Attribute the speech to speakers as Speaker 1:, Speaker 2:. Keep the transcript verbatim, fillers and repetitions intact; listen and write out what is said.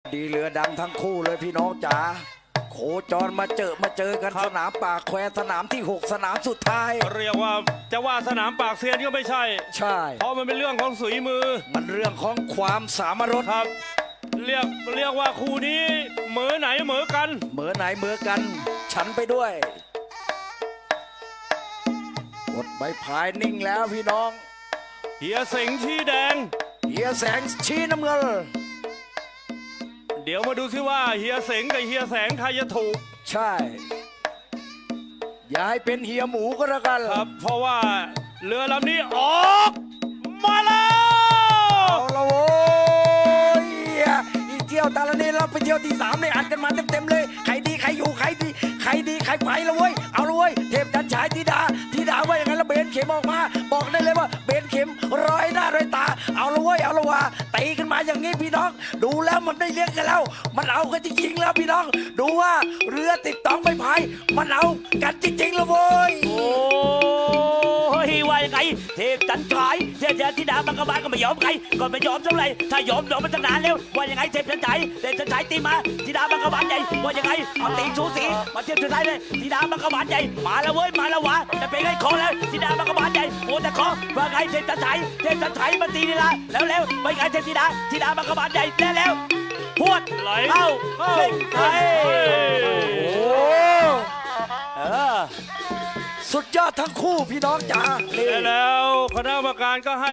Speaker 1: ดีเรือดังทั้งคู่เลยพี่น้องจ๋าโคจรมาเจอมาเจอกันสนามปากแควสนามที่หกสนามสุดท้าย
Speaker 2: เรียกว่าจะว่าสนามปากเซียนก็ไม่ใช่
Speaker 1: ใช่
Speaker 2: เพราะมันเป็นเรื่องของฝีมือ
Speaker 1: มันเรื่องของความสามารถ
Speaker 2: ครับเรียกเรียกว่าคู่นี้เหมือไหนเหมือกัน
Speaker 1: เหมือไหนเหมือกันฉันไปด้วยกดใบพายนิ่งแล้วพี่น้อง
Speaker 2: เฮียเสงชี้แดง
Speaker 1: เฮียแสงชี้น้ำเงิน
Speaker 2: เดี๋ยวมาดูซิว่าเฮียเสงกับเฮียแสงใครจะถูก
Speaker 1: ใช่อย่าให้เป็นเฮียหมูก็แล้วกัน
Speaker 2: ครับเพราะว่าเรือลำนี้ออกมาแล้ว
Speaker 1: เอาละโว้ยอีเที่ยวตาละนี้เราไปเที่ยวที่สามเลยอัดกันมาเต็มๆเลยใครดีใครอยู่ใครดีใครดีใครไปละเว้ยเอาละเว้ยเทพจันฉายธิดาธิดาว่าอย่างนั้นแล้วเบนเข็มออกมาบอกได้เลยว่าเบนเข็มร้อยหน้าร้อยตาเอาละเว้ยเอาละว่าตีกันมาอย่างนี้พี่น้องดูแล้วมันไม่เลี้ยงกันแล้วมันเอากันจริงๆแล้วพี่น้องดูว่าเรือติดต้องไปพายมันเอากันจริงๆละเว้ย
Speaker 3: โอ้ยว่ายังไงเทพจันฉายเทพธิดามังกรบาลก็ไม่ยอมใครก็ไม่ยอมเท่าไหร่ถ้ายอมยอมมันตั้งนานแล้วว่ายังไงเทพจันฉายเทพจันฉายตีมาธิดามังกรบาลใหญ่ว่ายังไงเอาตีชูสีมาเทียบสุดท้ายเลยธิดามังกรบาลใหญ่มาแล้วเว้ยมาแล้ววะจะเป็นไงคอแล้วธิดามังกรบาลใหญ่โอ้แต่คอว่าไงเทพจันฉายเทพจันฉายมาตีนี่ละแล้วแล้วว่าไงเทพธิดาธิดามังกรบาลใหญ่แล้วแล้วพวด
Speaker 2: ไหล
Speaker 3: เข้าเส้นชัย
Speaker 1: โอ้
Speaker 3: เออ
Speaker 1: สุดยอดทั้งคู่พี่น้องจ๋า
Speaker 2: แล้วคณะกรรมการก็ให้